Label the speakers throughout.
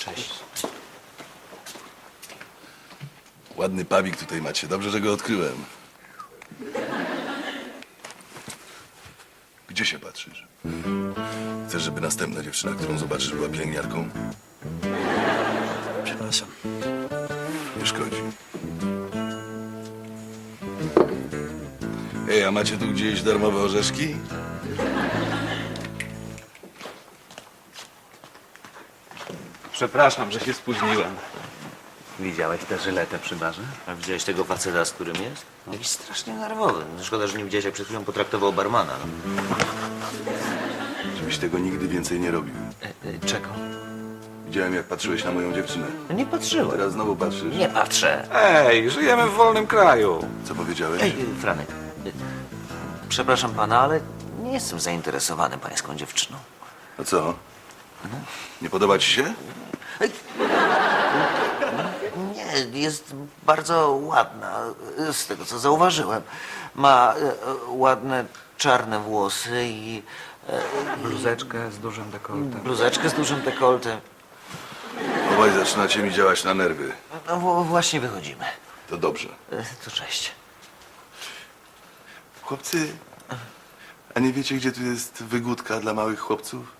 Speaker 1: Cześć.
Speaker 2: Ładny pubik tutaj macie. Dobrze, że go odkryłem. Gdzie się patrzysz? Chcesz, żeby następna dziewczyna, którą zobaczysz, była pielęgniarką?
Speaker 1: Przepraszam.
Speaker 2: Nie szkodzi. Ej, a macie tu gdzieś darmowe orzeszki?
Speaker 3: Przepraszam, że się spóźniłem.
Speaker 1: Widziałeś tę żyletę przy barze?
Speaker 4: A widziałeś tego faceta, z którym jest? Jakiś strasznie nerwowy. Szkoda, że nie widziałeś, jak przed chwilą potraktował barmana. No.
Speaker 2: Żebyś tego nigdy więcej nie robił.
Speaker 4: Czego?
Speaker 2: Widziałem, jak patrzyłeś na moją dziewczynę.
Speaker 4: No nie patrzyłem.
Speaker 2: Teraz znowu patrzysz.
Speaker 4: Nie patrzę.
Speaker 3: Ej, żyjemy w wolnym kraju.
Speaker 2: Co powiedziałeś?
Speaker 4: Ej, Franek. Przepraszam pana, ale nie jestem zainteresowany pańską dziewczyną.
Speaker 2: A co? Nie podoba ci się?
Speaker 4: Nie, jest bardzo ładna, z tego co zauważyłem. Ma ładne czarne włosy i
Speaker 3: Bluzeczkę z dużym dekoltem.
Speaker 4: bluzeczkę z dużym dekoltem.
Speaker 2: Obaj zaczynacie mi działać na nerwy.
Speaker 4: No właśnie wychodzimy.
Speaker 2: To dobrze.
Speaker 4: To cześć.
Speaker 2: Chłopcy, a nie wiecie, gdzie tu jest wygódka dla małych chłopców?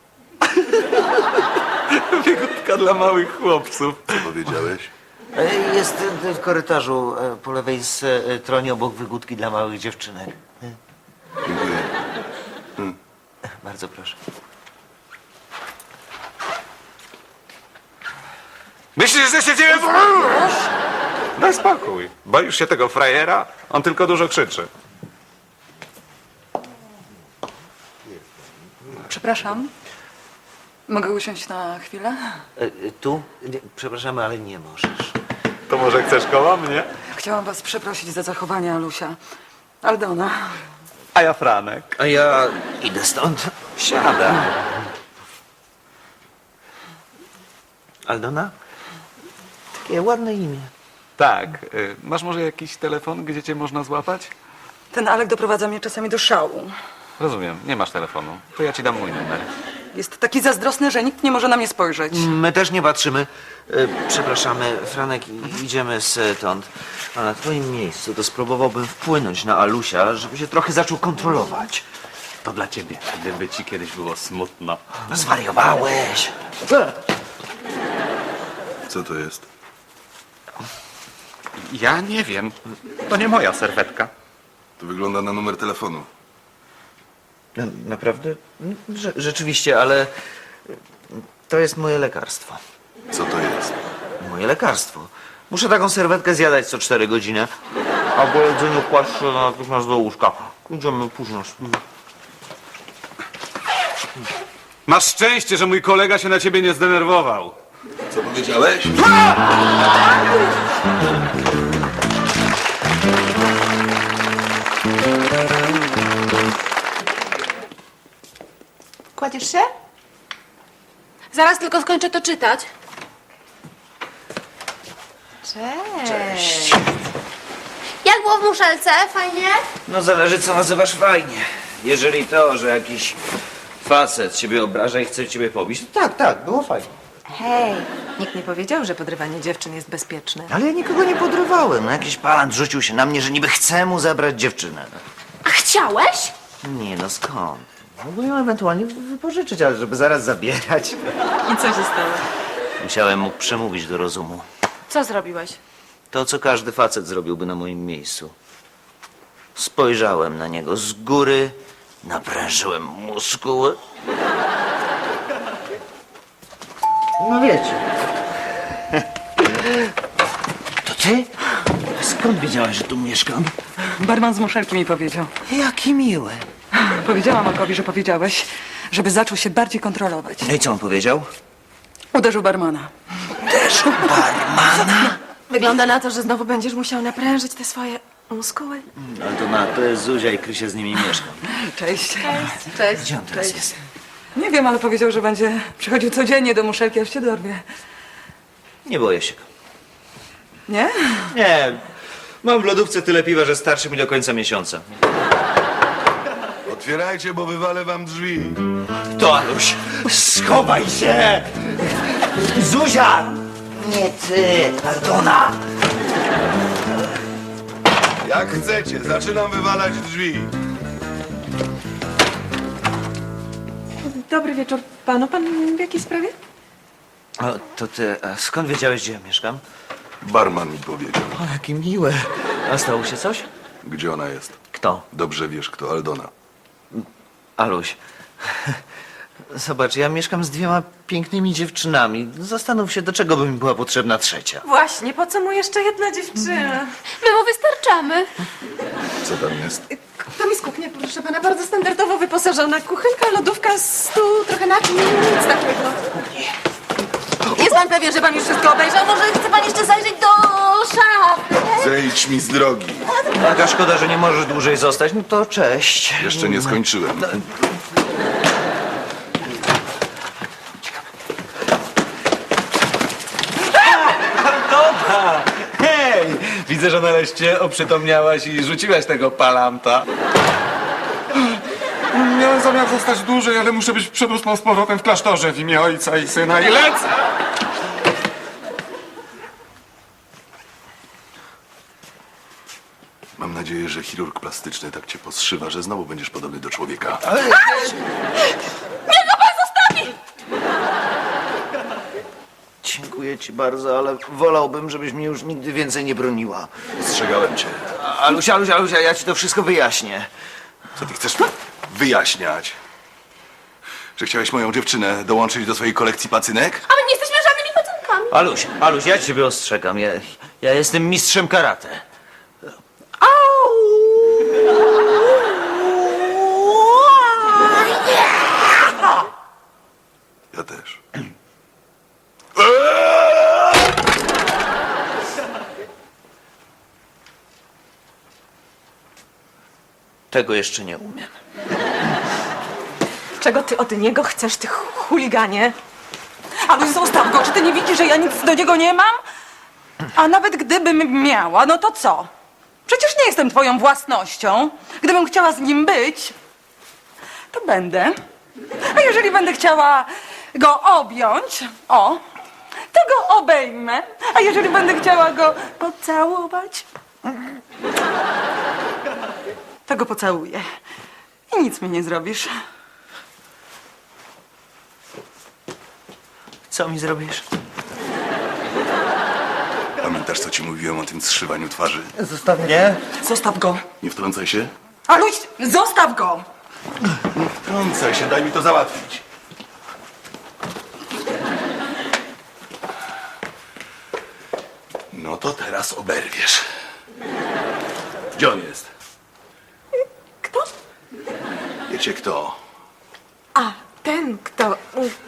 Speaker 3: Wygódka dla małych chłopców.
Speaker 2: Co powiedziałeś?
Speaker 4: Jest w korytarzu po lewej stronie obok wygódki dla małych dziewczynek.
Speaker 2: Dziękuję.
Speaker 4: Bardzo proszę.
Speaker 3: Myślisz, że się dzieje? Daj spokój. Boisz się tego frajera? On tylko dużo krzyczy.
Speaker 5: Przepraszam. Mogę usiąść na chwilę?
Speaker 4: Tu? Nie, przepraszamy, ale nie możesz.
Speaker 3: To może chcesz koło mnie?
Speaker 5: Chciałam was przeprosić za zachowanie Alusia. Aldona.
Speaker 3: A ja Franek.
Speaker 4: A ja idę stąd.
Speaker 3: Siada.
Speaker 4: Aldona? Takie ładne imię.
Speaker 3: Tak. Masz może jakiś telefon, gdzie cię można złapać?
Speaker 5: Ten Alek doprowadza mnie czasami do szału.
Speaker 3: Rozumiem, nie masz telefonu. To ja ci dam mój numer.
Speaker 5: Jest taki zazdrosny, że nikt nie może na mnie spojrzeć.
Speaker 4: My też nie patrzymy. Przepraszamy, Franek, idziemy stąd. A na twoim miejscu to spróbowałbym wpłynąć na Alusia, żeby się trochę zaczął kontrolować.
Speaker 3: To dla ciebie, gdyby ci kiedyś było smutno.
Speaker 4: No zwariowałeś.
Speaker 2: Co to jest?
Speaker 3: Ja nie wiem. To nie moja serwetka.
Speaker 2: To wygląda na numer telefonu.
Speaker 4: No, naprawdę? Rzeczywiście, ale to jest moje lekarstwo.
Speaker 2: Co to jest?
Speaker 4: Moje lekarstwo. Muszę taką serwetkę zjadać co 4 godziny. A po jedzeniu kłaść się natychmiast do łóżka. Idziemy późno.
Speaker 3: Masz szczęście, że mój kolega się na ciebie nie zdenerwował.
Speaker 2: Co powiedziałeś?
Speaker 6: Kładziesz się? Zaraz tylko skończę to czytać. Cześć. Jak było w muszelce? Fajnie?
Speaker 4: No zależy, co nazywasz fajnie. Jeżeli to, że jakiś facet ciebie obraża i chce ciebie pobić, to tak, było fajnie.
Speaker 6: Hej, nikt nie powiedział, że podrywanie dziewczyn jest bezpieczne.
Speaker 4: Ale ja nikogo nie podrywałem. No, jakiś pan rzucił się na mnie, że niby chce mu zabrać dziewczynę.
Speaker 6: A chciałeś?
Speaker 4: Nie, no skąd? Mógłbym ją ewentualnie wypożyczyć, ale żeby zaraz zabierać.
Speaker 6: I co się stało?
Speaker 4: Musiałem mu przemówić do rozumu.
Speaker 6: Co zrobiłeś?
Speaker 4: To, co każdy facet zrobiłby na moim miejscu. Spojrzałem na niego z góry, naprężyłem muskuły. No wiecie. To ty? Skąd wiedziałaś, że tu mieszkam?
Speaker 5: Barman z muszelki mi powiedział.
Speaker 4: Jaki miły.
Speaker 5: Powiedziałam Markowi, że powiedziałeś, żeby zaczął się bardziej kontrolować.
Speaker 4: No i co on powiedział?
Speaker 5: Uderzył barmana.
Speaker 4: Też barmana?
Speaker 6: Wygląda na to, że znowu będziesz musiał naprężyć te swoje muskuły.
Speaker 4: Ale to jest Zuzia i Krysia z nimi mieszkam.
Speaker 5: Cześć.
Speaker 6: Cześć.
Speaker 4: Gdzie on teraz jest?
Speaker 5: Nie wiem, ale powiedział, że będzie przychodził codziennie do muszelki, aż się dorwie.
Speaker 4: Nie boję się go.
Speaker 5: Nie?
Speaker 4: Nie. Mam w lodówce tyle piwa, że starczy mi do końca miesiąca.
Speaker 2: Otwierajcie, bo wywalę wam drzwi.
Speaker 4: To Aluś, schowaj się! Zuzia! Nie ty, Aldona!
Speaker 2: Jak chcecie, zaczynam wywalać drzwi.
Speaker 7: Dobry wieczór panu. Pan w jakiej sprawie?
Speaker 4: O, to ty, a skąd wiedziałeś, gdzie ja mieszkam?
Speaker 2: Barman mi powiedział.
Speaker 4: O, jakie miłe. A stało się coś?
Speaker 2: Gdzie ona jest?
Speaker 4: Kto?
Speaker 2: Dobrze wiesz, kto Aldona.
Speaker 4: Aluś. Zobacz, ja mieszkam z 2 pięknymi dziewczynami. Zastanów się, do czego by mi była potrzebna trzecia.
Speaker 7: Właśnie, po co mu jeszcze jedna dziewczyna?
Speaker 6: My mu wystarczamy.
Speaker 2: Co tam jest?
Speaker 7: To mi z kuchni, proszę pana, bardzo standardowo wyposażona. Kuchenka, lodówka, stół, trochę naczyń, nic takiego.
Speaker 6: Jest pan pewien, że pan już wszystko obejrzał? Może chce pan jeszcze zajrzeć do szafy?
Speaker 2: Zejdź mi z drogi.
Speaker 4: Taka szkoda, że nie możesz dłużej zostać. No to cześć.
Speaker 2: Jeszcze nie skończyłem.
Speaker 1: Hej! Widzę, że nareszcie oprzytomniałaś i rzuciłaś tego palanta.
Speaker 3: Miałem zamiar zostać dłużej, ale muszę być przed 8 z powrotem w klasztorze w imię Ojca i Syna i lecę!
Speaker 2: Mam nadzieję, że chirurg plastyczny tak cię poszywa, że znowu będziesz podobny do człowieka.
Speaker 4: Dziękuję ci bardzo, ale wolałbym, żebyś mnie już nigdy więcej nie broniła.
Speaker 2: Ostrzegałem cię.
Speaker 4: Alusia, ja ci to wszystko wyjaśnię.
Speaker 2: Co ty chcesz wyjaśniać? Że chciałeś moją dziewczynę dołączyć do swojej kolekcji pacynek?
Speaker 6: A my nie jesteśmy żadnymi pacynkami.
Speaker 4: Aluś, ja ciebie ostrzegam. Ja jestem mistrzem karate.
Speaker 2: Ja też.
Speaker 4: Tego jeszcze nie umiem.
Speaker 7: Czego ty od niego chcesz, ty chuliganie?
Speaker 5: Ale zostaw go, czy ty nie widzisz, że ja nic do niego nie mam? A nawet gdybym miała, no to co? Przecież nie jestem twoją własnością. Gdybym chciała z nim być, to będę. A jeżeli będę chciała go objąć, to go obejmę. A jeżeli będę chciała go pocałować, to go pocałuję. I nic mi nie zrobisz.
Speaker 4: Co mi zrobisz?
Speaker 2: Pamiętasz, co ci mówiłem o tym zszywaniu twarzy?
Speaker 4: Zostaw mnie.
Speaker 5: Zostaw go.
Speaker 2: Nie wtrącaj się.
Speaker 5: Aluś, zostaw go!
Speaker 2: Nie wtrącaj się, daj mi to załatwić. No to teraz oberwiesz. Gdzie on jest?
Speaker 7: Kto?
Speaker 2: Wiecie kto?
Speaker 7: A, ten kto...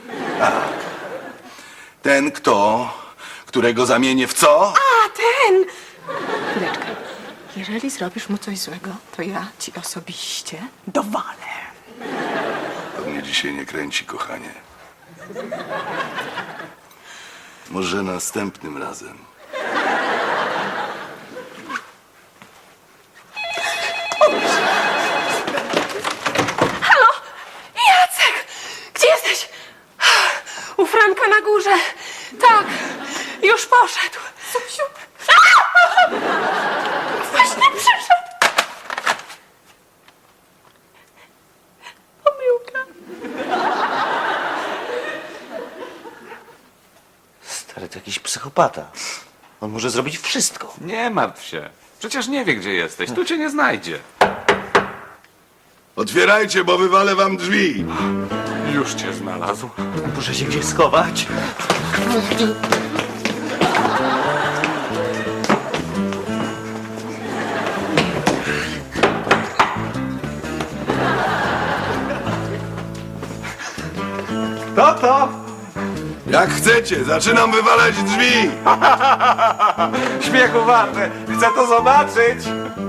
Speaker 2: Ten kto, którego zamienię w co?
Speaker 7: A, ten! Chwileczkę. Jeżeli zrobisz mu coś złego, to ja ci osobiście dowalę.
Speaker 2: To mnie dzisiaj nie kręci, kochanie. Może następnym razem.
Speaker 7: Jacek! Gdzie jesteś? U Franka na górze. Tak, już poszedł. Zuziu. Właśnie przyszedł. Pomyłka.
Speaker 4: Stary, to jakiś psychopata. On może zrobić wszystko.
Speaker 3: Nie martw się. Przecież nie wie, gdzie jesteś. Tu cię nie znajdzie.
Speaker 2: Otwierajcie, bo wywalę wam drzwi.
Speaker 3: Już cię znalazł.
Speaker 4: Muszę się gdzieś schować.
Speaker 3: To?
Speaker 2: Jak chcecie, zaczynam wywalać drzwi.
Speaker 3: Śmiechu warte. Chcę to zobaczyć.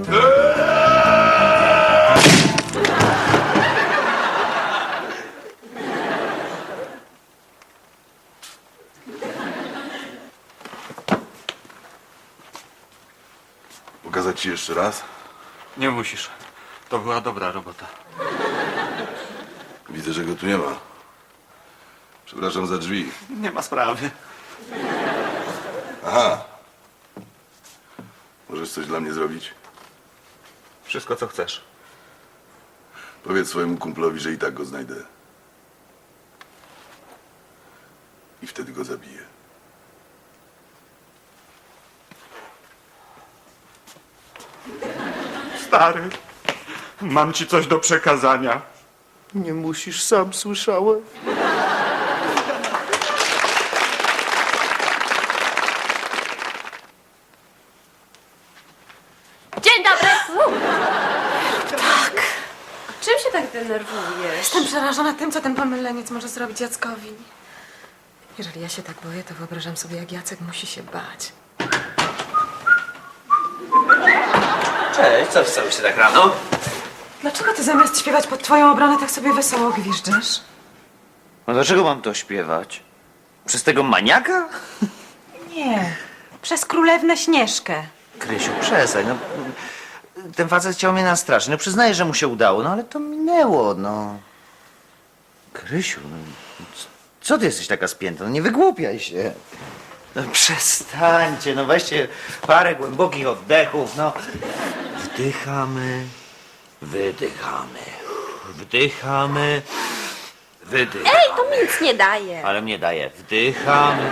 Speaker 2: Pokazać ci jeszcze raz?
Speaker 3: Nie musisz. To była dobra robota.
Speaker 2: Widzę, że go tu nie ma. Przepraszam za drzwi.
Speaker 3: Nie ma sprawy.
Speaker 2: Aha. Możesz coś dla mnie zrobić?
Speaker 3: Wszystko, co chcesz.
Speaker 2: Powiedz swojemu kumplowi, że i tak go znajdę. I wtedy go zabiję.
Speaker 3: Stary, mam ci coś do przekazania.
Speaker 4: Nie musisz, sam słyszałem.
Speaker 6: Dzień dobry!
Speaker 7: Czym się tak denerwujesz?
Speaker 8: Jestem przerażona tym, co ten pomyleniec może zrobić Jackowi. Jeżeli ja się tak boję, to wyobrażam sobie, jak Jacek musi się bać.
Speaker 4: Cześć, co wstałeś się tak rano?
Speaker 8: Dlaczego ty zamiast śpiewać pod twoją obronę tak sobie wesoło gwiżdżysz?
Speaker 4: No dlaczego mam to śpiewać? Przez tego maniaka?
Speaker 8: Nie, przez królewnę Śnieżkę.
Speaker 4: Krysiu, przestań, no. Ten facet chciał mnie nastraszyć. No przyznaję, że mu się udało, no ale to minęło, no. Krysiu, no, co ty jesteś taka spięta? No nie wygłupiaj się. No przestańcie, no weźcie parę głębokich oddechów, no. Wdychamy, wydychamy, wdychamy, wydychamy.
Speaker 6: Ej, to mi nic nie daje.
Speaker 4: Ale mnie daje. Wdychamy.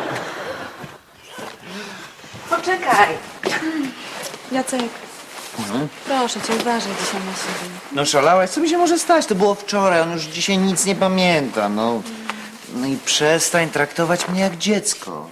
Speaker 8: Poczekaj. Jacek, proszę cię, uważaj dzisiaj na siebie.
Speaker 4: No szalałaś, co mi się może stać? To było wczoraj, on już dzisiaj nic nie pamięta, no. No i przestań traktować mnie jak dziecko.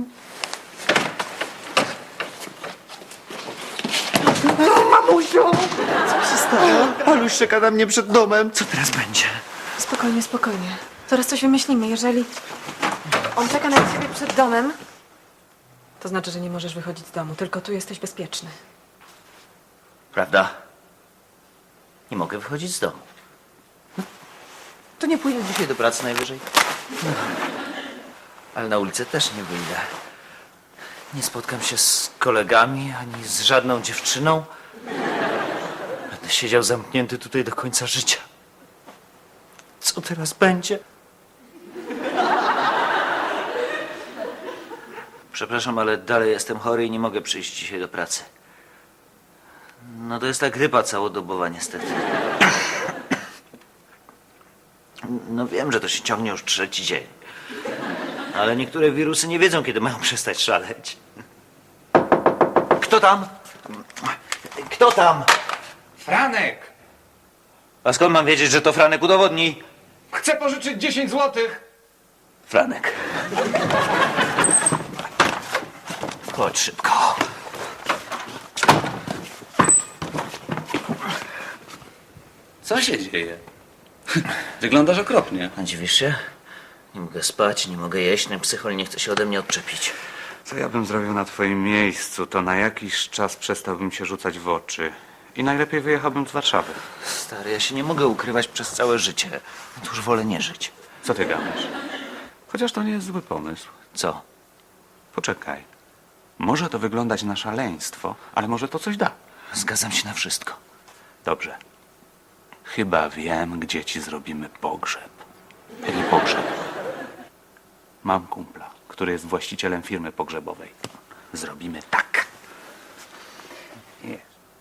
Speaker 4: No, mamusiu! Co się stało? Aluś czeka na mnie przed domem. Co teraz będzie?
Speaker 8: Spokojnie, spokojnie. Zaraz coś wymyślimy. Jeżeli on czeka na ciebie przed domem, to znaczy, że nie możesz wychodzić z domu. Tylko tu jesteś bezpieczny.
Speaker 4: Prawda? Nie mogę wychodzić z domu. To nie pójdę dzisiaj do pracy najwyżej. No. Ale na ulicę też nie wyjdę. Nie spotkam się z kolegami, ani z żadną dziewczyną. Będę siedział zamknięty tutaj do końca życia. Co teraz będzie? Przepraszam, ale dalej jestem chory i nie mogę przyjść dzisiaj do pracy. No to jest ta grypa całodobowa niestety. No wiem, że to się ciągnie już 3. dzień. Ale niektóre wirusy nie wiedzą, kiedy mają przestać szaleć. Kto tam? Kto tam?
Speaker 1: Franek!
Speaker 4: A skąd mam wiedzieć, że to Franek? Udowodnij.
Speaker 1: Chcę pożyczyć 10 złotych!
Speaker 4: Franek. Chodź szybko.
Speaker 1: Co się dzieje? Wyglądasz okropnie.
Speaker 4: A dziwisz się? Nie mogę spać, nie mogę jeść, ten psychol nie chce się ode mnie odczepić.
Speaker 3: Co ja bym zrobił na twoim miejscu, to na jakiś czas przestałbym się rzucać w oczy. I najlepiej wyjechałbym z Warszawy.
Speaker 4: Stary, ja się nie mogę ukrywać przez całe życie. No to już wolę nie żyć.
Speaker 3: Co ty gadasz? Chociaż to nie jest zły pomysł.
Speaker 4: Co?
Speaker 3: Poczekaj. Może to wyglądać na szaleństwo, ale może to coś da.
Speaker 4: Zgadzam się na wszystko.
Speaker 3: Dobrze. Chyba wiem, gdzie ci zrobimy pogrzeb. Jaki pogrzeb? Mam kumpla, który jest właścicielem firmy pogrzebowej. Zrobimy tak. Nie.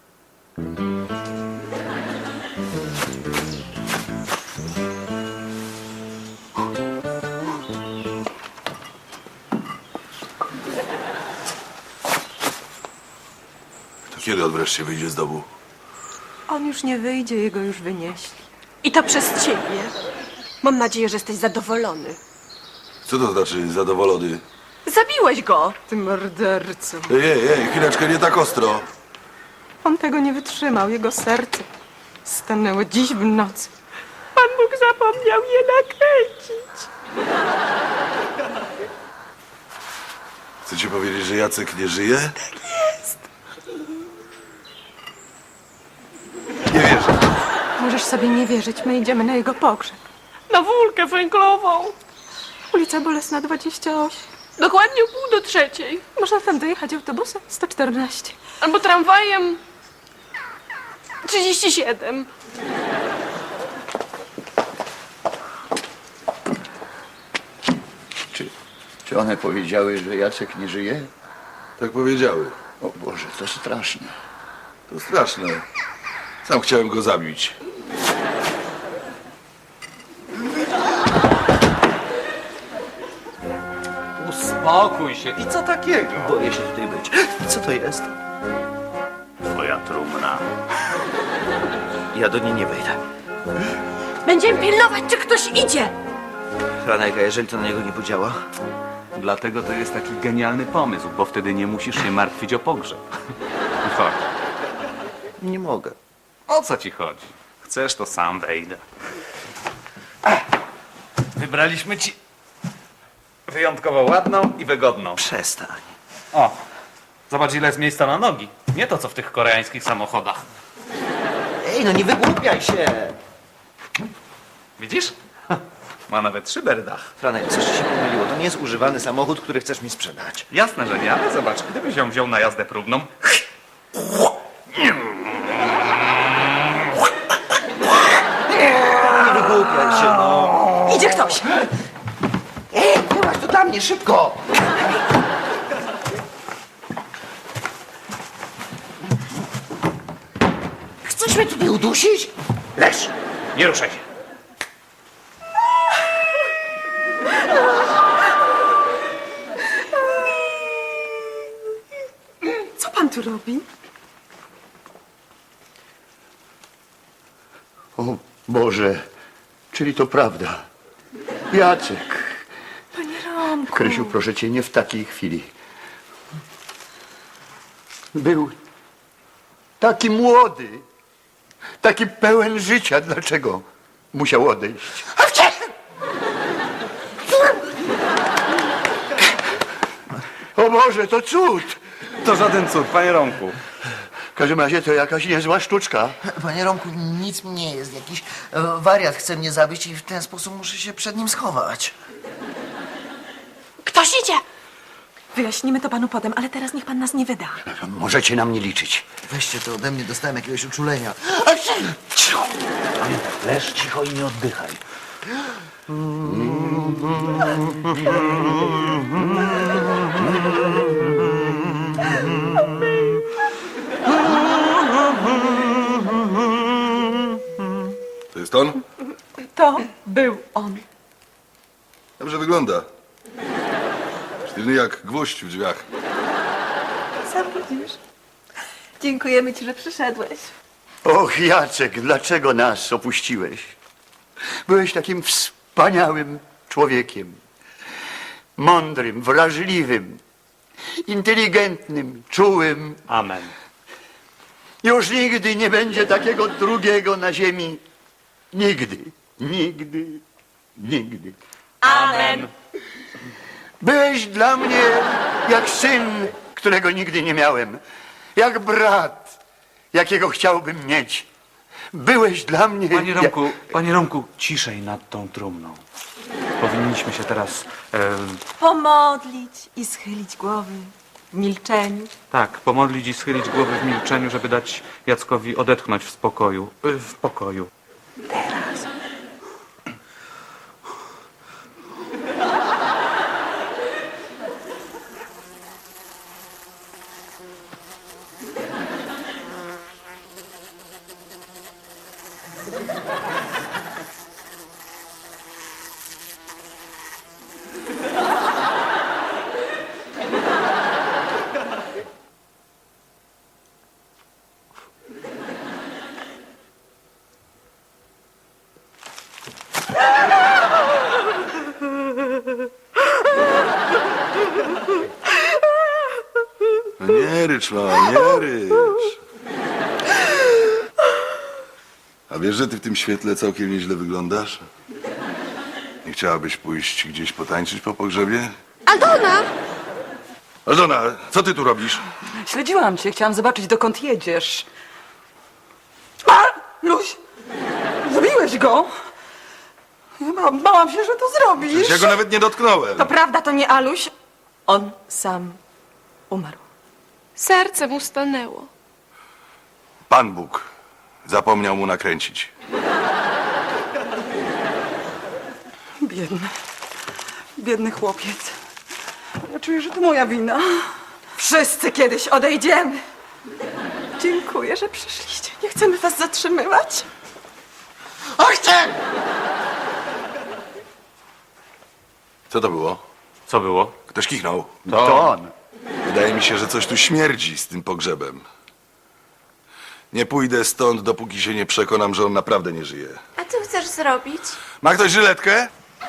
Speaker 2: To kiedy on wreszcie wyjdzie z domu?
Speaker 7: On już nie wyjdzie, jego już wynieśli. I to przez ciebie. Mam nadzieję, że jesteś zadowolony.
Speaker 2: Co to znaczy zadowolony?
Speaker 7: Zabiłeś go, ty morderco.
Speaker 2: Ej, chwileczkę, nie tak ostro.
Speaker 7: On tego nie wytrzymał, jego serce stanęło dziś w nocy. Pan Bóg zapomniał je nakręcić.
Speaker 2: Chcecie powiedzieć, że Jacek nie żyje? Nie wierzę.
Speaker 7: Możesz sobie nie wierzyć, my idziemy na jego pogrzeb. Na wólkę węglową. Ulica Bolesna 28.
Speaker 9: Dokładnie o 2:45.
Speaker 7: Można tam dojechać autobusem 114.
Speaker 9: Albo tramwajem 37.
Speaker 10: Czy one powiedziały, że Jacek nie żyje?
Speaker 2: Tak powiedziały.
Speaker 10: O Boże, to straszne.
Speaker 2: To straszne. Sam chciałem go zabić.
Speaker 1: Uspokój się. I co takiego?
Speaker 4: Boję się tutaj być. Co to jest?
Speaker 10: Twoja trumna.
Speaker 4: Ja do niej nie wejdę.
Speaker 6: Będziemy pilnować, czy ktoś idzie.
Speaker 4: Franek, a jeżeli to na niego nie podziała?
Speaker 1: Dlatego to jest taki genialny pomysł, bo wtedy nie musisz się martwić o pogrzeb. Chodź.
Speaker 4: Nie mogę.
Speaker 1: O co ci chodzi? Chcesz, to sam wejdę. Wybraliśmy ci wyjątkowo ładną i wygodną.
Speaker 4: Przestań.
Speaker 1: O, zobacz ile jest miejsca na nogi. Nie to, co w tych koreańskich samochodach.
Speaker 4: Ej, no nie wygłupiaj się!
Speaker 1: Widzisz? Ma nawet szyberdach.
Speaker 4: Franek, coś ci się pomyliło. To nie jest używany samochód, który chcesz mi sprzedać.
Speaker 1: Jasne, że nie, ale zobacz, gdybyś ją wziął na jazdę próbną...
Speaker 4: Nie wygłupiaj się, no.
Speaker 5: Idzie ktoś!
Speaker 4: Ej, wyłaź to dla mnie, szybko! Chcesz mnie tutaj udusić? Leż!
Speaker 1: Nie ruszaj się.
Speaker 7: Co pan tu robi?
Speaker 10: O Boże, czyli to prawda. Jacek.
Speaker 7: Panie Romku.
Speaker 10: Krysiu, proszę cię, nie w takiej chwili. Był taki młody, taki pełen życia. Dlaczego musiał odejść? O Boże, to cud!
Speaker 1: To żaden cud, panie Romku.
Speaker 10: W każdym razie to jakaś niezła sztuczka.
Speaker 4: Panie Romku, nic mi nie jest. Jakiś wariat chce mnie zabić i w ten sposób muszę się przed nim schować.
Speaker 6: Ktoś idzie.
Speaker 8: Wyjaśnimy to panu potem, ale teraz niech pan nas nie wyda.
Speaker 10: Możecie na mnie liczyć.
Speaker 4: Weźcie to ode mnie, dostałem jakiegoś uczulenia.
Speaker 10: Leż cicho i nie oddychaj.
Speaker 2: To jest on?
Speaker 8: To był on.
Speaker 2: Dobrze wygląda. Sztywny jak gwóźdź w drzwiach.
Speaker 8: Sam widzisz. Dziękujemy ci, że przyszedłeś.
Speaker 10: Och, Jacek, dlaczego nas opuściłeś? Byłeś takim wspaniałym człowiekiem. Mądrym, wrażliwym, inteligentnym, czułym.
Speaker 1: Amen.
Speaker 10: Już nigdy nie będzie takiego drugiego na ziemi. Nigdy, nigdy, nigdy.
Speaker 6: Amen.
Speaker 10: Byłeś dla mnie jak syn, którego nigdy nie miałem. Jak brat, jakiego chciałbym mieć. Byłeś dla mnie...
Speaker 1: Panie Romku, ciszej nad tą trumną. Powinniśmy się teraz...
Speaker 8: Pomodlić i schylić głowy w milczeniu.
Speaker 1: Tak, pomodlić i schylić głowy w milczeniu, żeby dać Jackowi odetchnąć w spokoju. W pokoju.
Speaker 2: No nie rycz, mała, nie rycz. A wiesz, że ty w tym świetle całkiem nieźle wyglądasz? Nie chciałabyś pójść gdzieś potańczyć po pogrzebie?
Speaker 6: Aldona!
Speaker 2: Aldona, co ty tu robisz?
Speaker 5: Śledziłam cię, chciałam zobaczyć, dokąd jedziesz. A! Luś! Zabiłeś go! Ja bałam się, że to zrobisz.
Speaker 2: Ja go nawet nie dotknąłem.
Speaker 5: To prawda, to nie Aluś?
Speaker 8: On sam umarł.
Speaker 9: Serce mu stanęło.
Speaker 2: Pan Bóg zapomniał mu nakręcić.
Speaker 5: Biedny. Biedny chłopiec. Ja czuję, że to moja wina.
Speaker 7: Wszyscy kiedyś odejdziemy. Dziękuję, że przyszliście. Nie chcemy was zatrzymywać.
Speaker 2: Co to było?
Speaker 1: Co było?
Speaker 2: Ktoś kichnął.
Speaker 10: To on.
Speaker 2: Wydaje mi się, że coś tu śmierdzi z tym pogrzebem. Nie pójdę stąd, dopóki się nie przekonam, że on naprawdę nie żyje.
Speaker 9: A co chcesz zrobić?
Speaker 2: Ma ktoś żyletkę?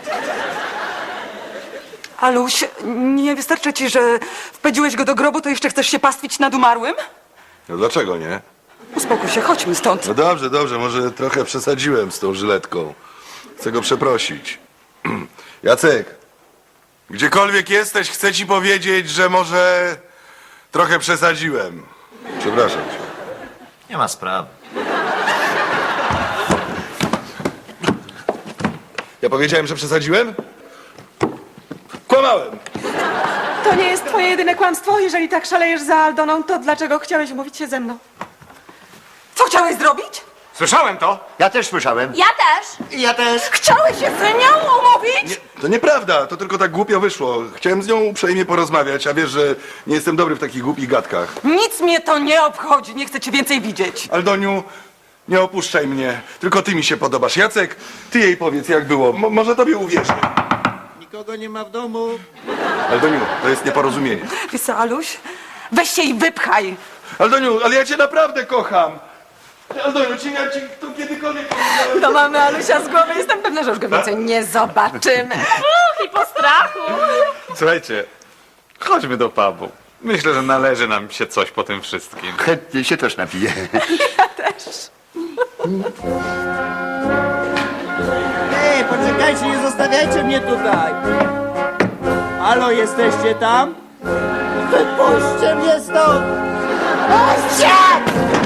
Speaker 5: Aluś, nie wystarczy ci, że wpędziłeś go do grobu, to jeszcze chcesz się pastwić nad umarłym?
Speaker 2: No dlaczego nie?
Speaker 5: Uspokój się, chodźmy stąd.
Speaker 2: No dobrze, dobrze, może trochę przesadziłem z tą żyletką. Chcę go przeprosić. Jacek, gdziekolwiek jesteś, chcę ci powiedzieć, że może trochę przesadziłem. Przepraszam cię.
Speaker 4: Nie ma sprawy.
Speaker 2: Ja powiedziałem, że przesadziłem? Kłamałem!
Speaker 7: To nie jest twoje jedyne kłamstwo. Jeżeli tak szalejesz za Aldoną, to dlaczego chciałeś umówić się ze mną?
Speaker 5: Co chciałeś zrobić?
Speaker 3: Słyszałem to?
Speaker 10: Ja też słyszałem.
Speaker 9: Ja też.
Speaker 10: Ja też.
Speaker 5: Chciałeś się z nią umówić?
Speaker 2: To nieprawda, to tylko tak głupio wyszło. Chciałem z nią uprzejmie porozmawiać, a wiesz, że nie jestem dobry w takich głupich gadkach.
Speaker 5: Nic mnie to nie obchodzi, nie chcę cię więcej widzieć.
Speaker 2: Aldoniu, nie opuszczaj mnie, tylko ty mi się podobasz. Jacek, ty jej powiedz, jak było. Może tobie uwierzy.
Speaker 10: Nikogo nie ma w domu.
Speaker 2: Aldoniu, to jest nieporozumienie.
Speaker 5: Wiesz co, Aluś? Weź się i wypchaj.
Speaker 2: Aldoniu, ale ja cię naprawdę kocham. Aldoniu, ja ci to kiedykolwiek powiedziałem.
Speaker 7: To mamy Alusia z głowy. Jestem pewna, że już go więcej nie zobaczymy.
Speaker 9: I po strachu.
Speaker 3: Słuchajcie, chodźmy do pubu. Myślę, że należy nam się coś po tym wszystkim.
Speaker 10: Chętnie się też napiję.
Speaker 11: Ej, poczekajcie, nie zostawiajcie mnie tutaj! Halo, jesteście tam? Wypuśćcie mnie stąd! Puśćcie!